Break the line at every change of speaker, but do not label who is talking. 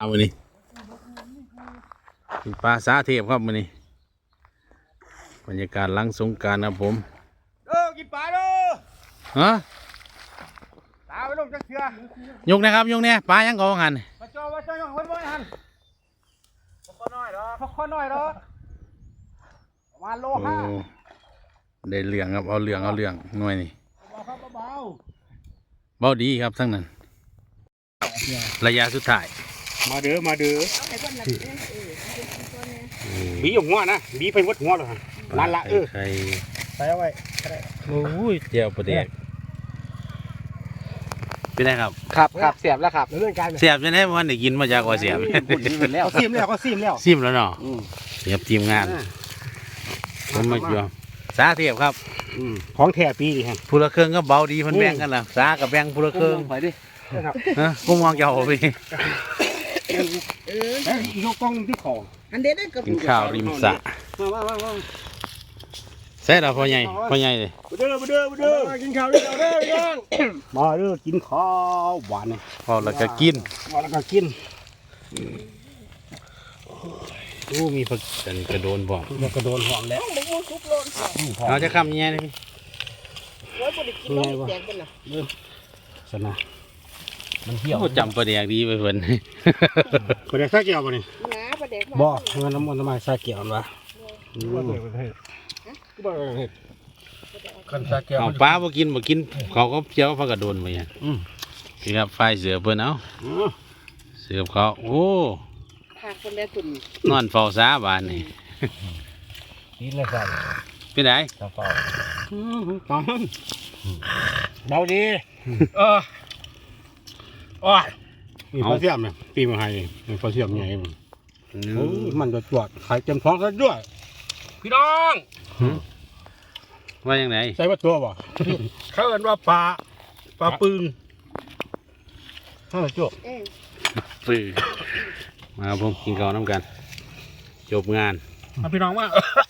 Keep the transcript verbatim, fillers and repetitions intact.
เอามือนี้ปลาสาเทพครับมือนี้บรรยากาศหลังสงกรานต์ครับผม
เด้อกินปลาเด้อ
ฮะ
ตาไปลงจักเชือย
กนะครับยกเนี่ยปลายังกองหัน
มาจ่อมาจ่อยังไว้บ่หันพกน้อยเด้อพกน้อยเด้อประมาณโลห้า
ได้เหลืองครับเอาเหลืองเอาเหลืองหน่วยนี่
เบาครับเบา
เบาดีครับทั้งนั้นระยะสุดท้าย
มาเด้อมาเด้อบีอยู่หัวนะบีไปวัดหัวเลยนั่นละเออใส่เอาไว้
โอ้ยเจียวประเด็กเป็นไงครับ
ครับครับเสียบแล้วครับเรื่องการ
เสียบจะได้วันได้กินมาจากว่าเสียบ
แล้วซิมแล้วก็ซิมแล้ว
ซิมแล้วเนาะเสียบทีมงานผมมาอยู่สาเทียบครับ
ของแท้ปีฮะ
ผู้ละเครื่องก็เบาดีมันแบ่งกันนะสากับแบ่งผู้ละเครื่อง
ไปดิ
ฮะกุ้งมองเจ้าไป
เออยกกล้องที่ของ
อันเด็ดได้กินข้าวริมสระเสร็จแล้วพ่อใหญ่พ่อใหญ่เลย
มาเด้อมาเด้อมาเด้อกินข้าวกินข้าวเด้อพี่น้องมาเด้อกินข้าวหวานเลย
พอแล้วก็กิน
พอแล้วก็กิน
โอ้มีผักกันกระโดนบ่
กระโดนหอมแล้ว
เราจะคำยังไงเลยพี่
ยังไงวะเริ่มสนะมันเที่ยว
จำประเดี๋ยวดีไปเพื่อน
ประเดี๋ยวซาเกี่ยวป่ะนี่บ่เงินน้ำมันทำไมซาเกี่ยววะ
เอาปลาบ่กินบ่กินเขาก็เจียวผักกระโดนไปยังนี่ครับไฟเสือเพื่อนเอาเสือเขาโอ้นอนเฝ้าซาบ้านนี่
นี่เลยครับ
เป็นไง
เฝ้าตอนเบาดีเออโอ้ยมีฟอสเซียมเนี่ยปีมาให้มีฟอสเซียมใหญ่มันโอ้มันจะจวดไข่เต็มท้องซะด้วยพี่น้อง
ว่าอย่างไร
ใส่ว่าตัวบ่เขาเอิ้นว่าปลาปลาปืนถ้าจบ
ปืนมาผมกินข้าวน้ำกันจบงาน
พี่น้องว่า